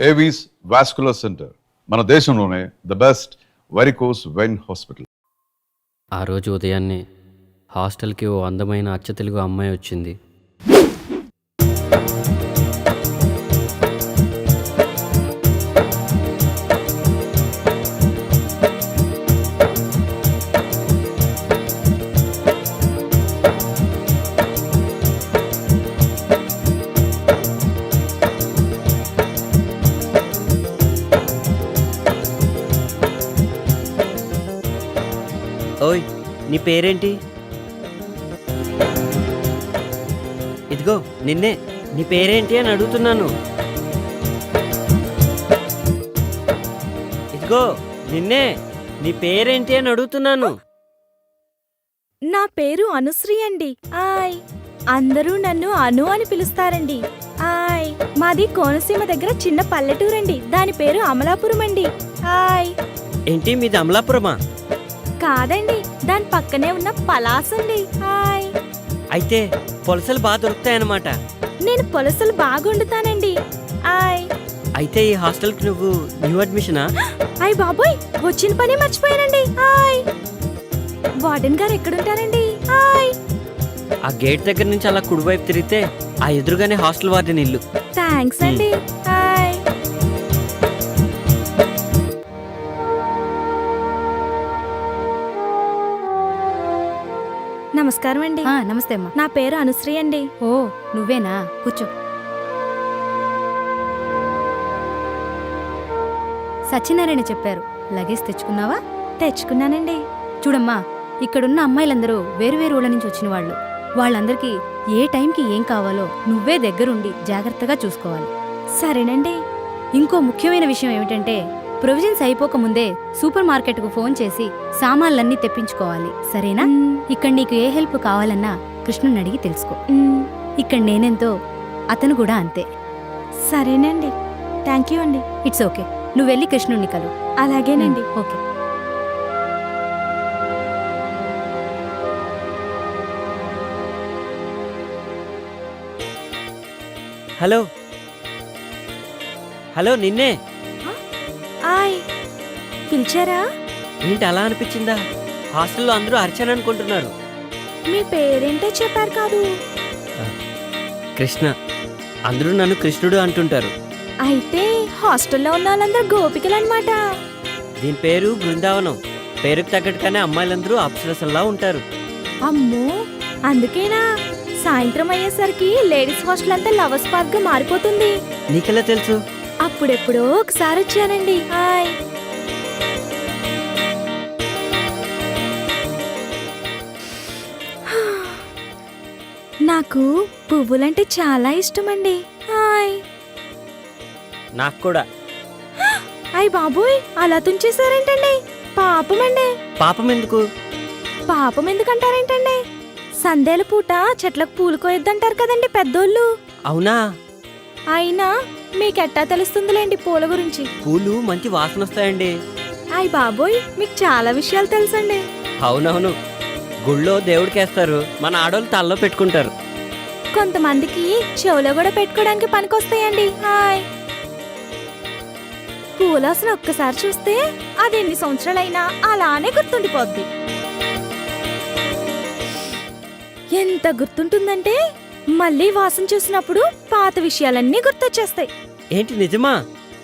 Avis vascular centre, మన దేశంలోనే the best varicose vein hospital. ఆ రోజు ఉదయాన్నే హాస్టల్కి ఓ అందమైన అచ్చ తెలుగు అమ్మాయి వచ్చింది. ఓయ్, నీ పేరేంటి? ఇదిగో నిన్నే. నీ పేరేంటి అని అడుగుతున్నాను. ఇదిగో నిన్నే. నీ పేరేంటి అని అడుగుతున్నాను. నా పేరు అనుశ్రీ అండి. ఆయ్, అందరూ నన్ను అను అని పిలుస్తారండి. ఆయ్, మాది కోనసీమ దగ్గర చిన్న పల్లెటూరండి. దాని పేరు అమలాపురం అండి. ఆయ్. ఏంటి, మీది అమలాపురమా? కాదండి, దాని పక్కనే ఉన్న పలాసండి. హాయ్. అయితే పొలసలు బాగా దొరుకుతాయన్నమాట. నేను పొలసలు బాగా వండుతానండి. ఆయ్. అయితే ఈ హాస్టల్కి నువ్వు న్యూ అడ్మిషనా? అయ్ బాబోయ్, వచ్చిన పని మర్చిపోయానండి. హాయ్. వార్డెన్ గారు ఎక్కడుంటారండి? హాయ్. ఆ గేట్ దగ్గర నుంచి అలా కుడివైపు తిరిగితే ఆ ఎదురుగానే హాస్టల్ వార్డెన్ ఇల్లు. థ్యాంక్స్ అండి. హాయ్. నమస్కారం అండి. నమస్తే అమ్మా. నా పేరు అనుశ్రీ అండి. ఓ, నువ్వేనా? కూర్చో. సత్యనారాయణ చెప్పారు. లగేజ్ తెచ్చుకున్నావా? తెచ్చుకున్నానండి. చూడమ్మా, ఇక్కడున్న అమ్మాయిలందరూ వేరువేరు ఊళ్ళ నుంచి వచ్చిన వాళ్ళు. వాళ్ళందరికీ ఏ టైంకి ఏం కావాలో నువ్వే దగ్గరుండి జాగ్రత్తగా చూసుకోవాలి. సరేనండి. ఇంకో ముఖ్యమైన విషయం ఏమిటంటే, ప్రొవిజన్స్ అయిపోకముందే సూపర్ మార్కెట్కు ఫోన్ చేసి సామాన్లన్నీ తెప్పించుకోవాలి. సరేనా? ఇక్కడ నీకు ఏ హెల్ప్ కావాలన్నా కృష్ణుని అడిగి తెలుసుకో. ఇక్కడ నేనెంతో అతను కూడా అంతే. సరేనండి. థ్యాంక్ యూ అండి. It's okay. నువ్వు వెళ్ళి కృష్ణుణ్ణి కలు. అలాగేనండి. ఓకే. హలో హలో, నిన్నే. ఆయ్, పిలిచారా? ఏంటి అలా అనిపించిందా? హాస్టల్లో అందరూ అర్చన అనుకుంటున్నారు. మీ పేరేంటో చెప్పారు కాదు? కృష్ణ. అందరూ నన్ను కృష్ణుడు అంటుంటారు. అయితే హాస్టల్లో ఉన్న వాళ్ళందరూ గోపికలు అన్నమాట. దీని పేరు బృందావనం. పేరుకు తగ్గట్టుగానే అమ్మాయిలందరూ అప్సరసల్లా ఉంటారు. అమ్మో, అందుకేనా సాయంత్రం అయ్యేసరికి లేడీస్ హాస్టల్ అంతా లవర్స్ పార్క్ గా మారిపోతుంది? నీకెలా తెలుసు? అప్పుడెప్పుడో ఒకసారి వచ్చానండి. హాయ్. నాకు పువ్వులంటే చాలా ఇష్టమండి. హాయ్. నాకు కూడా. అయ్ బాబోయ్, అలా తుంచేశారేంటండి? పాపమండి. పాపం ఎందుకు? పాపం ఎందుకంటారేంటండి? సందేల పూట చెట్లకు పూలు కోయొద్దంటారు కదండి పెద్దోళ్ళు. అవునా? అయినా మీకెట్టా తెలుస్తుందిలేండి పూల గురించి. పూలు మంచి వాసన వస్తాయండి. అయ్ బాబోయ్, మీకు చాలా విషయాలు తెలుసండి. అవునవును. గుళ్ళో దేవుడికేస్తారు, మన ఆడోళ్ళు తలలో పెట్టుకుంటారు. కొంతమందికి చెవులో కూడా పెట్టుకోవడానికి పనికొస్తాయండి. హాయ్. పూలాసన ఒక్కసారి చూస్తే అది ఎన్ని సంవత్సరాలైనా అలానే గుర్తుండిపోద్ది. ఎంత గుర్తుంటుందంటే మళ్ళీ వాసన చూసినప్పుడు పాత విషయాలన్నీ గుర్తొచ్చేస్తాయి. ఏంటి, నిజమా?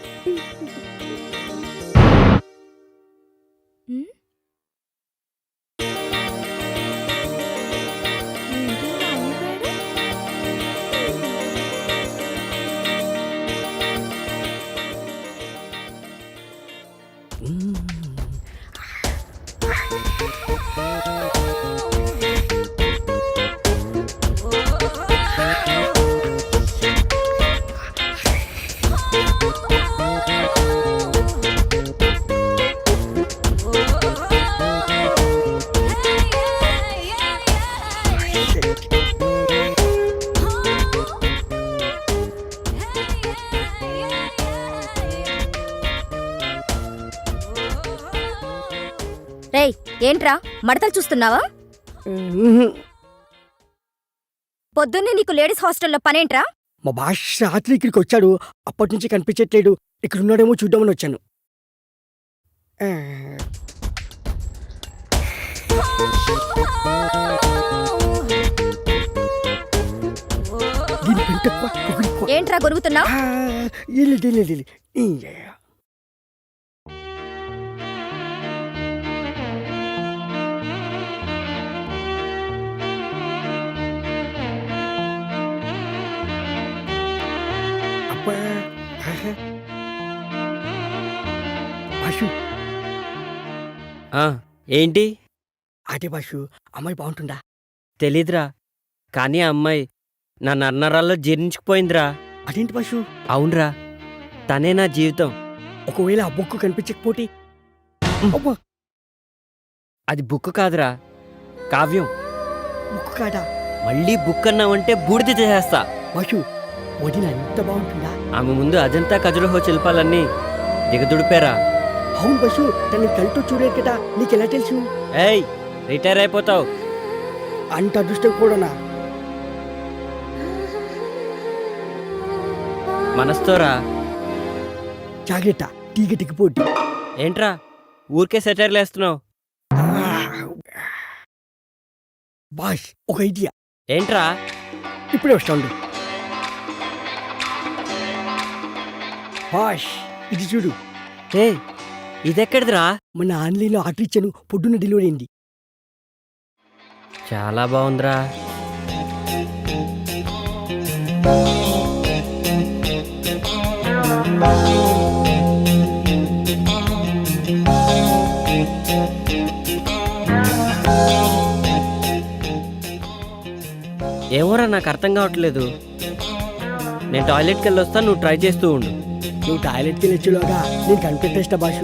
రేయ్, ఏంట్రా మడతలు చూస్తున్నావా? పొద్దున్నే నీకు లేడీస్ హాస్టల్లో పనేంట్రా? మా భాష రాత్రి ఇక్కడికి వచ్చాడు, అప్పటి నుంచి కనిపించట్లేడు. ఇక్కడ ఉన్నాడేమో చూద్దామని వచ్చాను. ఆ. దీని పెంట ఎక్కువ, పొగరు ఎక్కువ. ఏంట్రా గొరుగుతున్నావు? ఆ, ఇల్లు. అబ్బా. ఆహా. భాషు, ఆ, ఏంటి? అదే భాషు, అమ్మాయి బాగుంటుందా? తెలీదురా, కానీ ఆ అమ్మాయి నా నన్నరాల్లో జీర్ణించుకుపోయిందిరా. అదేంటి భాషు? అవునరా, తనే నా జీవితం. ఒకవేళ ఆ బుక్ కనిపించకపోతే? అబ్బా, అది బుక్ కాదురా, కావ్యం. బుక్ కాదా? మళ్ళీ బుక్ అన్నావంటే బూడిద చేసేస్తా. భాషు, వదిన ఎంత బాగుంటుందా? ఆమె ముందు అజంతా ఖజురహో శిల్పాలన్నీ దిగదుడిపారా. అవును భాషు, తన కళ్ళతో చూడలేదు కదా, నీకెలా తెలుసు? ఏయ్, రిటైర్ అయిపోతావు. అంత అదృష్టం కూడానా? మనస్తోరా. జాగ్రత్త, తీగ దిగిపోద్ది. ఏంట్రా ఊరికే సెటైర్లు వేస్తున్నావు? బాష్, ఒక ఐడియా. ఏంట్రా? ఇప్పుడే వస్తాడు. బాష్, ఇది చూడు. ఏ, ఇదెక్కడిదిరా? మన ఆన్లైన్లో ఆర్డర్ ఇచ్చాను, పొద్దున్న డెలివరీ అయింది. చాలా బాగుందిరా. ఏమోరా, నాకు అర్థం కావట్లేదు. నేను టాయిలెట్కి వెళ్ళి వస్తాను, నువ్వు ట్రై చేస్తూ ఉండు. నువ్వు టాయిలెట్కి వెళ్ళొచ్చులోగా నేను కనిపెట్టేస్తా బాషు.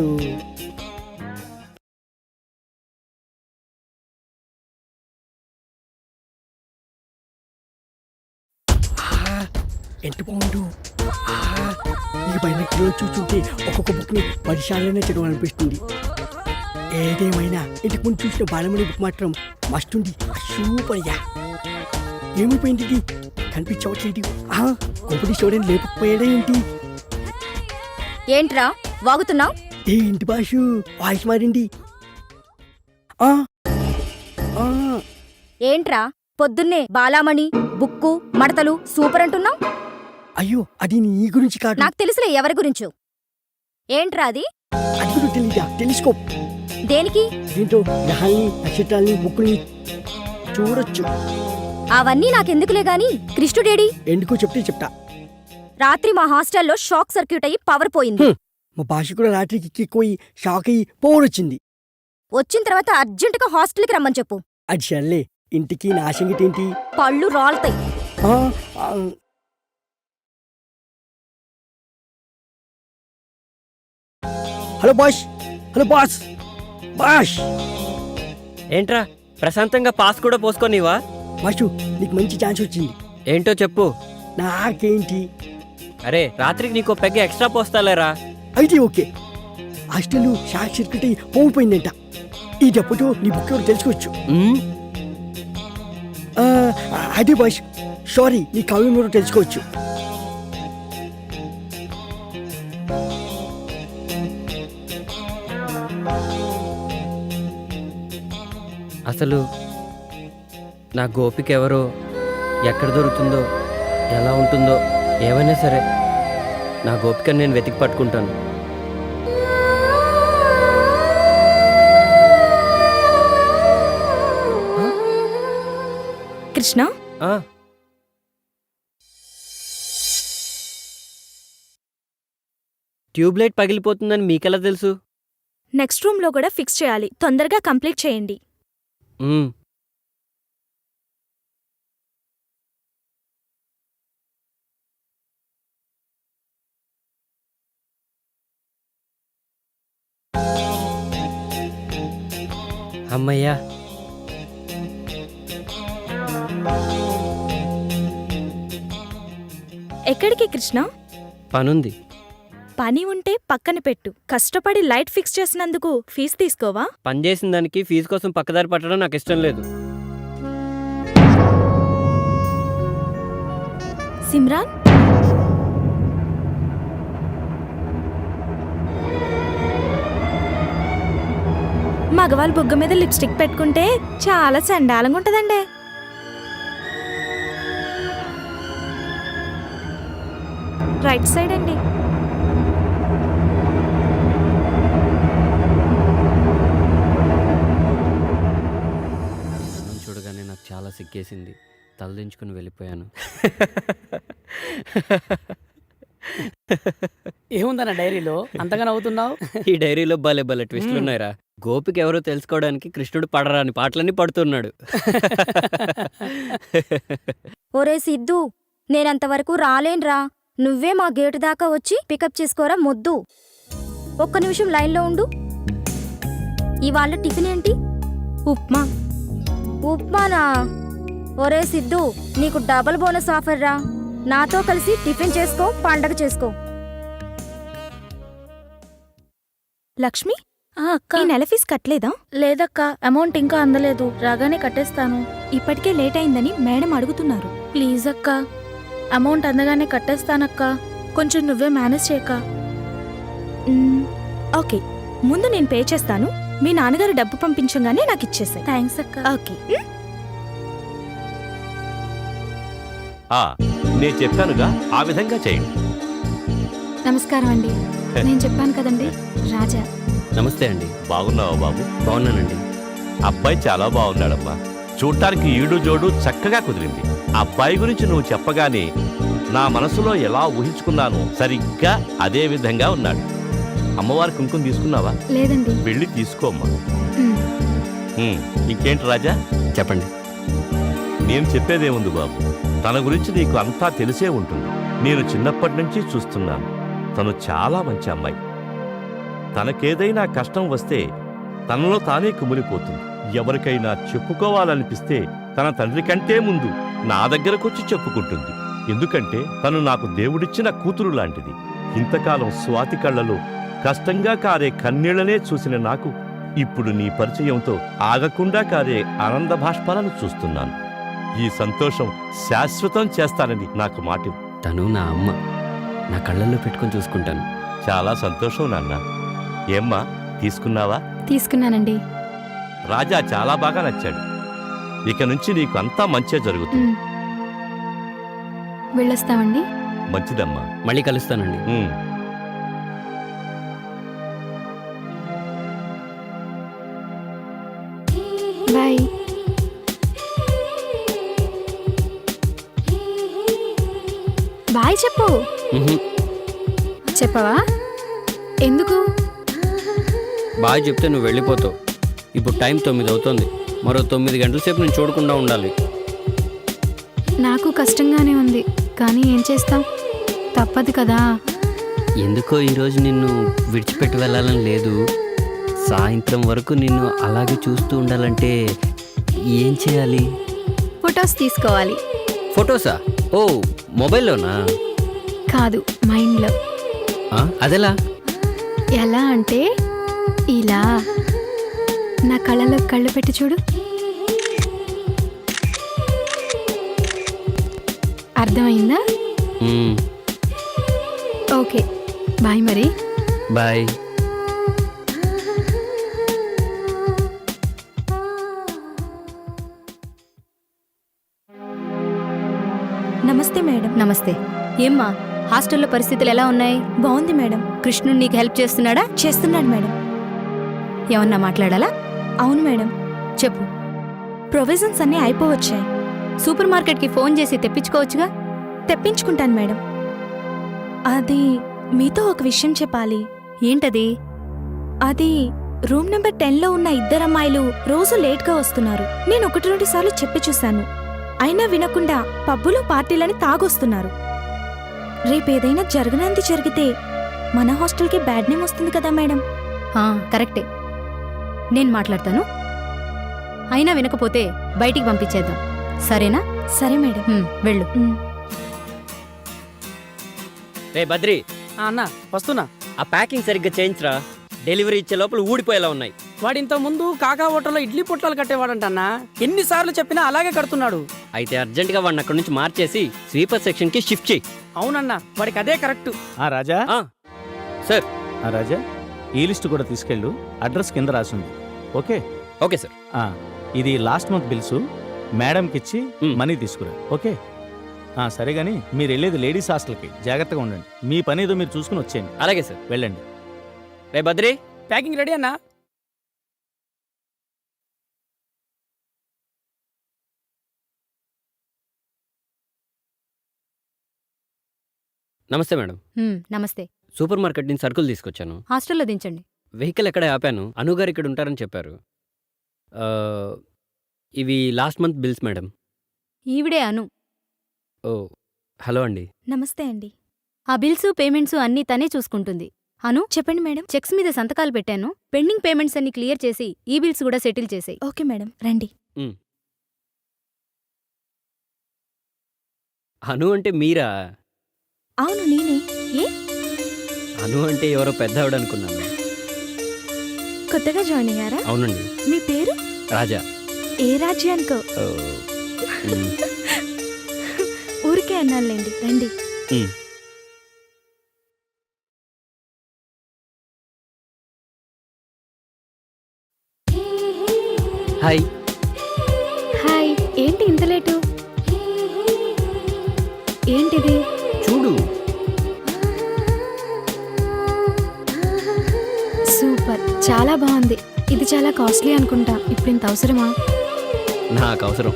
ఎంత బాగుండు. ఈ బైనక్లో చూస్తుంటే ఒక్కొక్క బుక్ని 10 సార్లైనా చదవాలనిపిస్తుంది. ఏదేమైనా ఇంతకు ముందు చూసిన బాలమణి బుక్ మాత్రం మస్తుంది, సూపర్ యా. ఏమైపోయింది ఇది? కనిపించవట్లేదు. కొంపటి చూడని లేకపోయాడే ఏంటి? ఏంట్రా వాగుతున్నావు? ఏంటి బాషు, వాయిస్ మారింది. ఆ, ఆ, ఏంట్రా పొద్దున్నే బాలామణి బుక్కు మడతలు సూపర్ అంటున్నావు? అయ్యో, అది నీ గురించి కాదు. నాకు తెలుసులే ఎవరి గురించో. ఏంట్రా అది? అది కూడా తెలీదా? తెలుసుకో. దేనికి? దీంతో గ్రహాల్ని, నక్షత్రాల్ని, బుక్కుల్ని చూడొచ్చు. అవన్నీ నాకెందుకులే గాని కృష్ణుడేడి? ఎందుకో చెప్తే చెప్తా. రాత్రి మా హాస్టల్లో షాక్ సర్క్యూట్ అయ్యి పవర్ పోయింది. మా భాష కూడా రాత్రికి ఎక్కిపోయి షాక్ అయ్యి పోవడొచ్చింది. వచ్చిన తర్వాత అర్జెంటుగా హాస్టల్కి రమ్మని చెప్పు. అది సర్లే, ఇంటికి నా సంగతి ఏంటి? పళ్ళు రాలుతాయి. ఆ, ఆ, hello boss, hello boss, boss. ఏంట్రా, ప్రశాంతంగా పాస్ కూడా పోసుకోనివా? బాషు, నీకు మంచి ఛాన్స్ వచ్చింది. ఏంటో చెప్పు. నాకేంటి? అరే, రాత్రికి నీకో పెగ్గ ఎక్స్ట్రా పోస్తాలేరా. అయితే ఓకే. హాస్టల్ షాక్ సర్క్యూట్ అయ్యి పోయిపోయిందంట. ఈ దెబ్బతో నీ బుక్ ఎవరు తెలుసుకోవచ్చు. ఉమ్, ఆ, అదే బాష్, సారీ, నీ కావ్యం ఎవరు తెలుసుకోవచ్చు. అసలు నా గోపిక ఎవరో, ఎక్కడ దొరుకుతుందో, ఎలా ఉంటుందో, ఏమైనా సరే నా గోపికను నేను వెతికి పట్టుకుంటాను. కృష్ణ, ఆ, ట్యూబ్లైట్ పగిలిపోతుందని మీకెలా తెలుసు? నెక్స్ట్ రూమ్ లో కూడా ఫిక్స్ చేయాలి. తొందరగా కంప్లీట్ చేయండి. ఉమ్, అమ్మయ్యా. ఎక్కడికి కృష్ణ? పనుంది. పని ఉంటే పక్కన పెట్టు. కష్టపడి లైట్ ఫిక్స్ చేసినందుకు ఫీజు తీసుకోవా? పని చేసిన దానికి ఫీజు కోసం పక్కదారి పట్టడం నాకు ఇష్టం లేదు. సిమ్రాన్, మగవాళ్ళ బుగ్గ మీద లిప్స్టిక్ పెట్టుకుంటే చాలా చండాలంగా ఉంటదండి. రైట్ సైడ్ అండి. తనని చూడగానే నాకు చాలా సిగ్గేసింది. తలదించుకుని వెళ్ళిపోయాను. ఏముందన్న డైరీలో అంతగా నవ్వుతున్నావు? ఈ డైరీలో భలే భలే ట్విస్టులు ఉన్నాయిరా. గోపికి ఎవరో తెలుసుకోవడానికి కృష్ణుడు పడరాని పాటలన్నీ పడుతున్నాడు. ఒరే సిద్ధు, నేనంతవరకు రాలేన్రా. నువ్వే మా గేటు దాకా వచ్చి పికప్ చేసుకోరా మొద్దు. ఒక్క నిమిషం లైన్లో ఉండు. ఇవాళ టిఫిన్ ఏంటి? ఉప్మా. ఉప్మానా? ఒరే సిద్ధు, నీకు డబుల్ బోనస్ ఆఫర్ రా. నాతో కలిసి టిఫిన్ చేసుకో, పండగ చేసుకో. లక్ష్మి, అక్క, ఈ నెల ఫీజు కట్టలేదా? లేదక్క, అమౌంట్ ఇంకా అందలేదు. రాగానే కట్టేస్తాను. ఇప్పటికే లేట్ అయిందని మేడం అడుగుతున్నారు. ప్లీజ్ అక్క, అమౌంట్ అందగానే కట్టేస్తానక్క. కొంచెం నువ్వే మేనేజ్ చేయక. ఓకే, ముందు నేను పే చేస్తాను. మీ నాన్నగారు డబ్బు పంపించగానే నాకు ఇచ్చేసాయి. థ్యాంక్స్ అక్క. ఓకే. నేను చెప్పానుగా, ఆ విధంగా చేయండి. నమస్కారం అండి. నేను చెప్పాను కదండి, రాజా. నమస్తే అండి. బాగున్నావా బాబు? బాగున్నానండి. అబ్బాయి చాలా బాగున్నాడమ్మా. చూడటానికి ఈడు జోడు చక్కగా కుదిరింది. అబ్బాయి గురించి నువ్వు చెప్పగానే నా మనసులో ఎలా ఊహించుకున్నానో సరిగ్గా అదే విధంగా ఉన్నాడు. అమ్మవారి కుంకుమ తీసుకున్నావా? లేదండి. వెళ్ళి తీసుకోమ్మా. ఇంకేంటి రాజా? చెప్పండి. నేను చెప్పేదేముంది బాబు, తన గురించి నీకు అంతా తెలిసే ఉంటుంది. నేను చిన్నప్పటి నుంచి చూస్తున్నాను. తను చాలా మంచి అమ్మాయి. తనకేదైనా కష్టం వస్తే తనలో తానే కుమిలిపోతుంది. ఎవరికైనా చెప్పుకోవాలనిపిస్తే తన తండ్రి కంటే ముందు నా దగ్గరకొచ్చి చెప్పుకుంటుంది. ఎందుకంటే తను నాకు దేవుడిచ్చిన కూతురు లాంటిది. ఇంతకాలం స్వాతి కళ్ళలో కష్టంగా కారే కన్నీళ్లనే చూసిన నాకు ఇప్పుడు నీ పరిచయంతో ఆగకుండా కారే ఆనంద భాష్పాలను చూస్తున్నాను. ఈ సంతోషం శాశ్వతం చేస్తానని నాకు మాట. తను నా అమ్మ. నా కళ్ళల్లో పెట్టుకొని చూసుకుంటాను. చాలా సంతోషం నాన్న. ఏమ్మా, తీసుకున్నావా? తీసుకున్నానండి. రాజా చాలా బాగా నచ్చాడు. ఇక నుంచి నీకు అంతా మంచే జరుగుతుంది. వెళ్ళొస్తామండి. మంచిదమ్మా. మళ్ళీ కలుస్తానండి. బాయ్. బాయ్ చెప్పు. చెప్పవా? ఎందుకు? బాగా చెప్తే నువ్వు వెళ్ళిపోతావు. ఇప్పుడు టైం 9 అవుతుంది. మరో 9 గంటల సేపు నేను చూడకుండా ఉండాలి. నాకు కష్టంగానే ఉంది, కానీ ఏం చేస్తాం, తప్పదు కదా. ఎందుకో ఈరోజు నిన్ను విడిచిపెట్టి వెళ్ళాలని లేదు. సాయంత్రం వరకు నిన్ను అలాగే చూస్తూ ఉండాలంటే ఏం చేయాలి? ఫొటోస్ తీసుకోవాలి. ఫొటోసా? ఓ, మొబైల్లోనా? కాదు, మైండ్లో. అదెలా? ఎలా అంటే ఇలా. నా కళ్ళలో కళ్ళు పెట్టి చూడు. అర్థమైందా? ఓకే, బాయ్ మరి. బాయ్. నమస్తే మేడం. నమస్తే. ఏమ్మా, హాస్టల్లో పరిస్థితులు ఎలా ఉన్నాయి? బాగుంది మేడం. కృష్ణుడు నీకు హెల్ప్ చేస్తున్నాడా? చేస్తున్నాడు మేడం. ఏమన్నా మాట్లాడాలా? అవును మేడం. చెప్పు. ప్రొవిజన్స్ అన్నీ అయిపోవచ్చాయి. సూపర్ మార్కెట్కి ఫోన్ చేసి తెప్పించుకోవచ్చుగా? తెప్పించుకుంటాను మేడం. అది మీతో ఒక విషయం చెప్పాలి. ఏంటది? అది రూమ్ నెంబర్ 10లో ఉన్న 2 అమ్మాయిలు రోజు లేట్గా వస్తున్నారు. నేను 1-2 సార్లు చెప్పి చూశాను. అయినా వినకుండా పబ్బులో పార్టీలని తాగొస్తున్నారు. రేపేదైనా జరగనంది జరిగితే మన హాస్టల్కి బ్యాడ్ నేమ్ వస్తుంది కదా మేడం. కరెక్టే. నేను మాట్లాడతాను. అయినా వినకపోతే బయటికి పంపించేద్దాం, సరేనా? సరే మేడం. వెళ్ళు. రే బద్రి, అన్న వస్తున్నా. ఆ ప్యాకింగ్ సరిగ్గా చేయించరా. డెలివరీ ఇచ్చే లోపల ఊడిపోయేలా ఉన్నాయి. వాడి ఇంత ముందు కాకా హోటల్లో ఇడ్లీ పొట్లాలు కట్టేవాడంటన్నా. ఎన్నిసార్లు చెప్పినా అలాగే కడుతున్నాడు. అయితే అర్జెంటుగా వాడిని అక్కడి నుంచి మార్చేసి స్వీపర్ సెక్షన్కి షిఫ్ట్ చేయి. అవునన్నా, వాడికి అదే కరెక్ట్. రాజా. సార్. రాజా, ఈ లిస్టు కూడా తీసుకెళ్ళు. అడ్రస్ కింద రాసింది. Okay okay sir. ఆ, ఇది లాస్ట్ మంత్ బిల్స్ మేడంకి ఇచ్చి మనీ తీసుకురా. ఓకే సరే కానీ మీరు వెళ్ళేది లేడీస్ హాస్టల్కి, జాగ్రత్తగా ఉండండి. మీ పని ఏదో మీరు చూసుకుని వచ్చేయండి. అలాగే సార్. వెళ్ళండి. రే బద్రి, ప్యాకింగ్ రెడీ అన్నా? నమస్తే మేడం. నమస్తే. సూపర్ మార్కెట్ నుంచి సరుకులు తీసుకొచ్చాను. హాస్టల్లో దించండి. వెహికల్ ఎక్కడ ఆపాను. అనుగారు ఇక్కడ ఉంటారని చెప్పారు. ఇవి లాస్ట్ మంత్ బిల్స్ మేడం. ఈవిడే అను. ఓ హలో అండి. నమస్తే అండి. ఆ బిల్స్ పేమెంట్స్ అన్నీ తనే చూసుకుంటుంది. అను, చెప్పండి మేడం. చెక్స్ మీద సంతకాలు పెట్టాను. పెండింగ్ పేమెంట్స్ అన్ని క్లియర్ చేసి ఈ బిల్స్ కూడా సెటిల్ చేసేయి. ఓకే మేడం, రండి. అను అంటే మీరా? అవును నేనే. ఏ అను అంటే ఎవరో పెద్ద ఆవిడ అనుకున్నాను. కొత్తగా జాయిన్ అయ్యారా? అవునండి. మీ పేరు? రాజా. ఏ రాజ్యానికో? ఓ, మ్, ఊరికే అన్నానులేండి, రండి. మ్. హాయ్. హాయ్. ఏంటి ఇంత లేటు? ఏంటిది? చూడు. సూపర్, చాలా బాగుంది. ఇది చాలా కాస్ట్లీ అనుకుంటా. ఇప్పుడు ఇంత అవసరమా? నాకు అవసరం.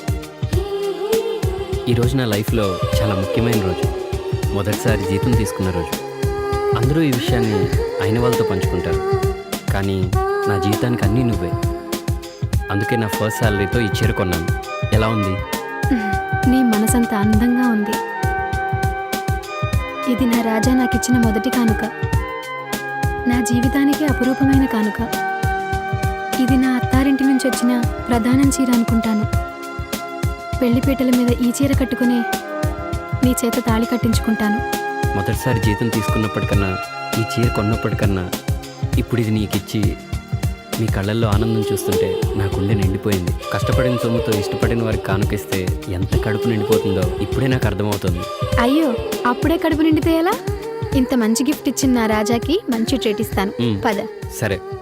ఈరోజు నా లైఫ్లో చాలా ముఖ్యమైన రోజు. మొదటిసారి జీతం తీసుకున్న రోజు. అందరూ ఈ విషయాన్ని అయిన వాళ్ళతో పంచుకుంటారు, కానీ నా జీవితానికి అన్నీ నువ్వే. అందుకే నా ఫస్ట్ శాలరీతో ఈ చీర కొన్నాను. ఎలా ఉంది? నీ మనసంత అందంగా ఉంది. ఇది నా రాజా నాకిచ్చిన మొదటి కానుక. నా జీవితానికి అపురూపమైన కానుక. ఇది నా అత్తారింటి నుంచి వచ్చిన ప్రధానం చీర అనుకుంటాను. పెళ్లిపీటల మీద ఈ చీర కట్టుకునే నీ చేత తాళి కట్టించుకుంటాను. మొదటిసారి జీతం తీసుకున్నప్పటికన్నా, ఈ చీర కొన్నప్పటికన్నా, ఇప్పుడు ఇది నీకిచ్చి మీ కళ్ళల్లో ఆనందం చూస్తుంటే నా గుండె నిండిపోయింది. కష్టపడిన సొమ్ముతో ఇష్టపడిన వారికి కానుకిస్తే ఎంత కడుపు నిండిపోతుందో ఇప్పుడే నాకు అర్థమవుతుంది. అయ్యో, అప్పుడే కడుపు నిండితే ఎలా? ఇంత మంచి గిఫ్ట్ ఇచ్చిన నా రాజాకి మంచి ట్రీట్ ఇస్తాను. పద. సరే.